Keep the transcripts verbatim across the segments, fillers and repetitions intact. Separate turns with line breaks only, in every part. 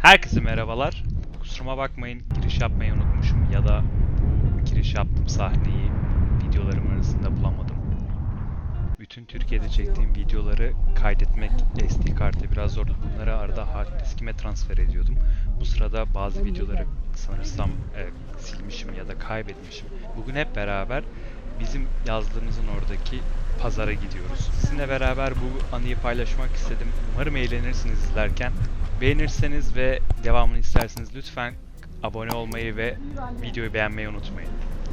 Herkese merhabalar. Kusuruma bakmayın, giriş yapmayı unutmuşum ya da bu giriş yaptığım sahneyi videolarım arasında bulamadım. Bütün Türkiye'de çektiğim videoları kaydetmek S D kartı biraz zordu. Bunları arada hard diskime transfer ediyordum. Bu sırada bazı videoları sanırsam e, silmişim ya da kaybetmişim. Bugün hep beraber bizim yazdığımızın oradaki pazara gidiyoruz. Sizinle beraber bu anıyı paylaşmak istedim. Umarım eğlenirsiniz izlerken. Beğenirseniz ve devamını isterseniz lütfen abone olmayı ve videoyu beğenmeyi unutmayın.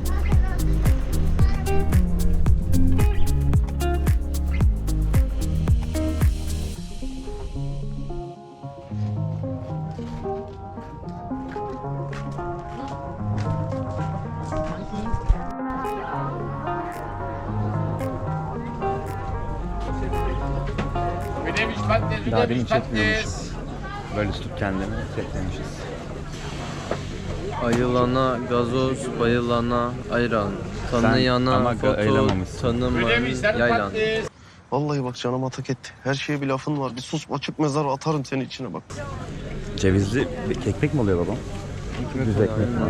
Daha demin çekmiyormuşuz. Böyle tutup kendini çekmemişiz.
Ayılana gazoz, bayılana ayran. Tanıyana foto, tanımayan yaylan.
Vallahi bak canıma tak etti. Her şeye bir lafın var. Bir sus açık mezara atarım seni içine bak.
Cevizli bir ekmek mi oluyor babam? Düz ekmek mi?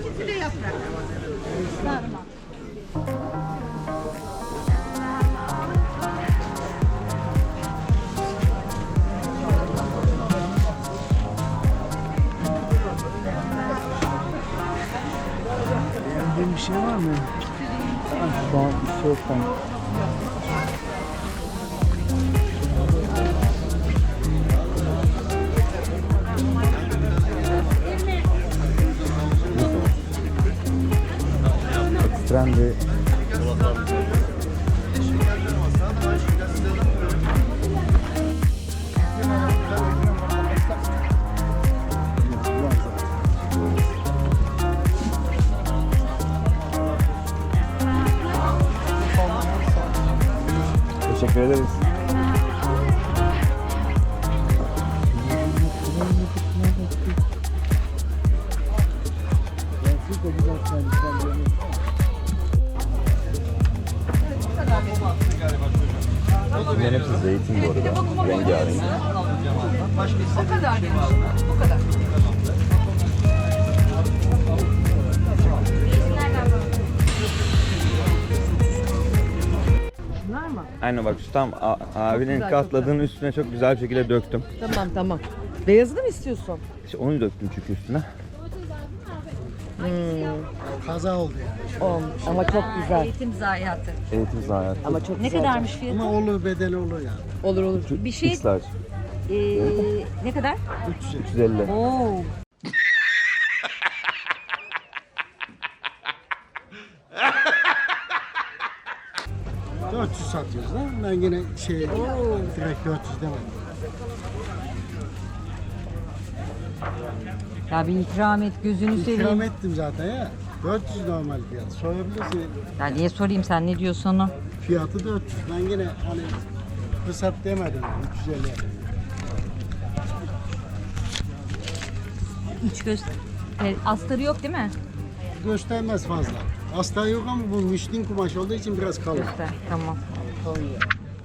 Beğendiğin bir şey var mı? Şu an bir şey yok ben.
Trendi. Teşekkür ederiz. Bunların hepsi zeytin bu arada. Rengarenk.
O kadar demiş. O kadar. Bunlar mı?
Aynen bak şu tam a- abinin
güzel,
katladığının üstüne çok güzel bir şekilde döktüm.
Tamam tamam. Beyazını mı istiyorsun?
İşte onu döktüm çünkü üstüne.
Kaza oldu yani.
Olmuş. Ama çok güzel. Eğitim zayiatı.
Eğitim zayiatı.
Ama çok ne kadarmış fiyatı?
Ama olur bedeli olur yani.
Olur olur. Bir şey
X large.
eee ne kadar?
üç yüz elli.
Oo.
dört yüz satıyoruz da ben yine şey direkt dört yüz demedim.
Ya bir ikram et gözünü
İkram
seveyim.
ettim zaten ya. dört yüz normal fiyat. Sorabilirsin.
Ya niye sorayım sen ne diyorsun onu?
Fiyatı dört yüz. Ben yine hani fırsat demedim yani. üç yüz elli.
İç göz e, astarı yok değil mi?
Göstermez fazla. Hasta yok ama bu müştin kumaş olduğu için biraz kalın.
Göster. Tamam.
Kalın ya.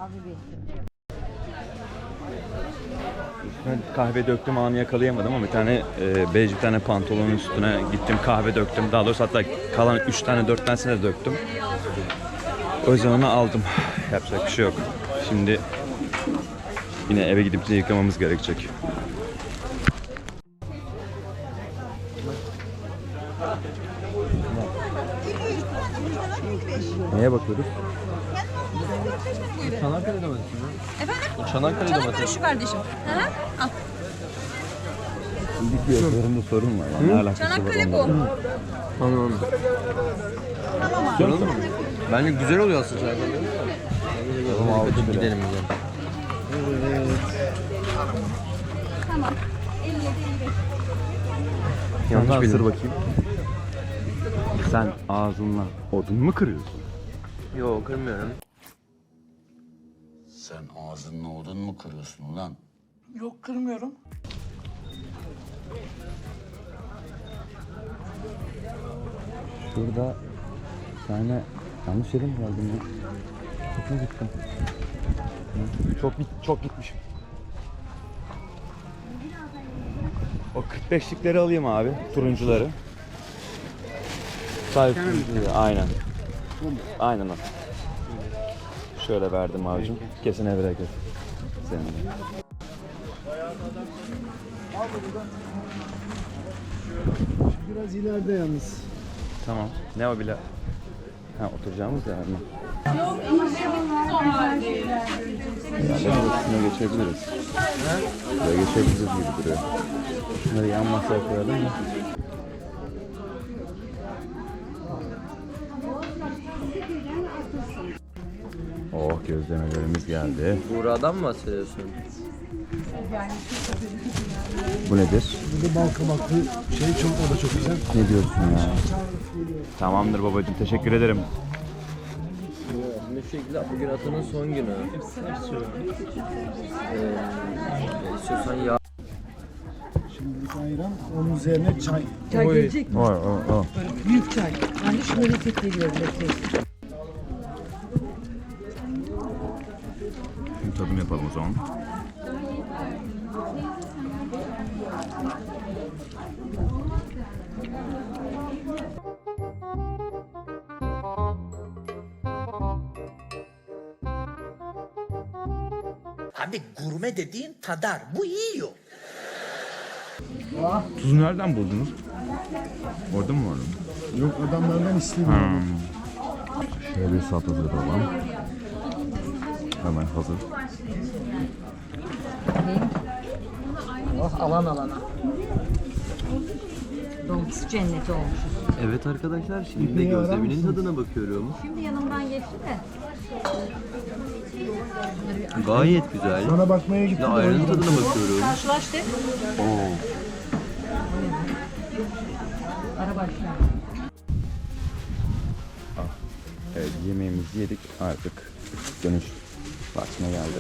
Ben kahve döktüm anı yakalayamadım ama bir tane e, bej bir tane pantolonun üstüne gittim kahve döktüm. Daha doğrusu hatta kalan üç tane dört tanesini de döktüm. O yüzden onu aldım. Yapacak bir şey yok. Şimdi yine eve gidip de yıkamamız gerekecek. Neye bakıyoruz?
Çanakkale domatesi mi?
Efendim?
Çanakkale
Çanakkale
domatesi.
şu kardeşim. Hı hı. Al.
Bir fiyatlarında sorun var. Ne alakası var
Çanakkale bu.
onlarla?
Tamam. Soralım mı? Bence güzel oluyor aslında Çanakkale.
Tamam, aldık bile.
Gidelim o zaman.
Tamam. elli yedi elli beş.
Yanlış
Yanlış
ısır
bildim.
bakayım. Sen ağzınla odun mu kırıyorsun?
Yok kırmıyorum.
Sen ağzınla odun mu kırıyorsun ulan?
Yok kırmıyorum.
Şurada bir tane yanlış yere mi geldim ya? Çok mu gittim? Çok git çok gitmişim. O kırk beşlikleri alayım abi, turuncuları. Sadece turuncuları, aynen. Aynen o. Şöyle verdim abicim. Kesine bereket. Senin de.
Biraz ileride yalnız.
Tamam. Ne o bile? Ha, oturacağımız yer mi? Yerlerin üstüne geçebiliriz. Buraya geçebiliriz gibi duruyor. Şunları yan masaya koyalım mı? Oh, gözlemelerimiz geldi.
Buğra'dan mı bahsediyorsun?
Bu nedir?
Burada bal kabaklı şey çok, o da çok güzel.
Ne diyorsun ya? Tamamdır babacığım, teşekkür ederim.
Ne şekilde bugün Atan'ın son günü. Ee, istiyorsan yağ.
Şimdilik ayran, onun üzerine çay.
Çay gelecek mi?
Oy oy oy.
Böyle büyük çay. Ben de şunu lezzet geliyor lezzet.
Şimdi tadım yapalım o zaman.
Abi gurme dediğin tadar. Bu yiyor.
Tuzu nereden buldunuz? Orada mı var?
Yok, adamlardan istemiyorum.
Şöyle bir salata hazırlayalım. Hemen hazır.
Oh alan alana. Dolmuş cenneti olmuşuz.
Evet arkadaşlar, şimdi de gözleminin tadına bakıyorum.
Şimdi yanımdan geçti de.
Gayet güzel.
Sana bakmaya
Şimdi
gittim.
ayranın tadına bakıyorum.
Karşılaş de.
Oo.
Ara başla.
Evet, yemeğimizi yedik, artık dönüş vaktine geldi.